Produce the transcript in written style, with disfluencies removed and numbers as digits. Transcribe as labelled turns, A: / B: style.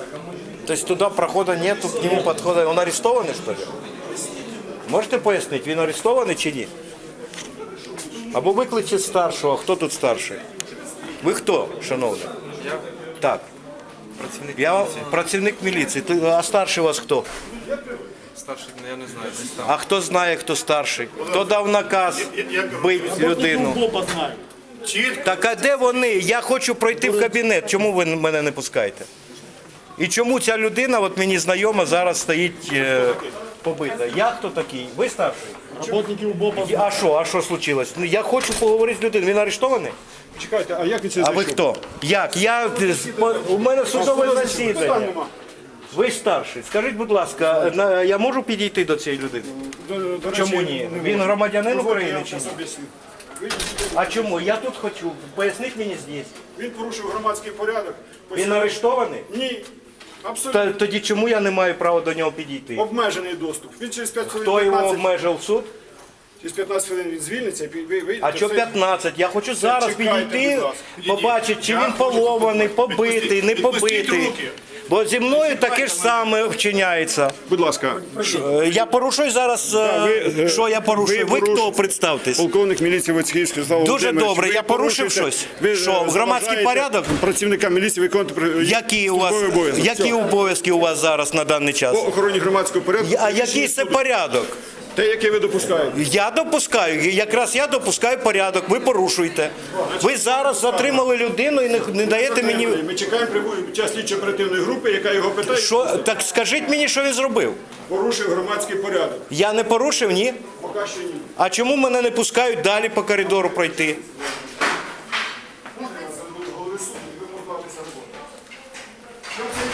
A: То есть туда прохода нету, к нему подхода. Он арестованный, что ли? Можете пояснити, він арестований чи ні? Або викличте старшого. Хто тут старший? Ви хто, шановний?
B: Я
A: Так.
B: працівник
A: Я
B: міліції.
A: працівник міліції. А старший у вас хто?
B: Старший, я не знаю, десь там.
A: А хто знає, хто старший? Хто дав наказ бити людину? Так а де вони? Я хочу пройти в кабінет. Чому ви мене не пускаєте? І чому ця людина, от мені знайома, зараз стоїть побита? Я хто такий? Ви старший?
C: Работники УБОПа.
A: А що случилось? Ну, я хочу поговорити з людиною. Він арештований?
C: Чекайте, а як ви це
A: А ви
C: зайшов?
A: хто? Як? У мене судове засідання. Ви старший. Скажіть, будь ласка, я можу підійти до цієї людини?
C: До речі,
A: Чому ні? Він громадянин
C: дозвольте,
A: України
C: я
A: чи ні?
C: вам об'ясню.
A: А чому? Я тут хочу. Поясніть мені здесь.
C: Він порушив громадський порядок.
A: Він арештований?
C: Ні, абсолютно.
A: Тоді чому я не маю права до нього підійти?
C: Обмежений доступ. Він через 5 хвилин,
A: Хто його
C: 15,
A: обмежив суд?
C: через 15 хвилин він звільниться, і ви вийдете.
A: А що 15? Я хочу зараз
C: Чекайте,
A: підійти,
C: будь ласка.
A: побачити, чи він полований, побитий, не побитий. Бо зі мною таке ж саме вчиняється.
C: Будь ласка,
A: Я порушую зараз, що я порушую? Ви хто, представтесь?
C: полковник міліції Войцехівський Слава
A: Дуже
C: Володимирович,
A: добре,
C: ви
A: я порушив
C: порушуєте-
A: щось?
C: ви,
A: Що, громадський
C: заважаєте
A: порядок?
C: Працівника міліції виконувати
A: Які у вас,
C: службовий обов'язок.
A: які обов'язки у вас зараз на даний час?
C: По охороні громадського порядку.
A: А який це порядок?
C: Те, яке ви допускаєте.
A: Я допускаю, якраз я допускаю порядок, ви порушуєте. Ви зараз затримали людину і не даєте мені...
C: Ми чекаємо час слідчої оперативної групи, яка його питає,
A: Що, так скажіть мені, що він зробив?
C: порушив громадський порядок.
A: Я не порушив, ні?
C: Поки що ні.
A: А чому мене не пускають далі по коридору пройти?
C: Голови суду, і ви можете роботу.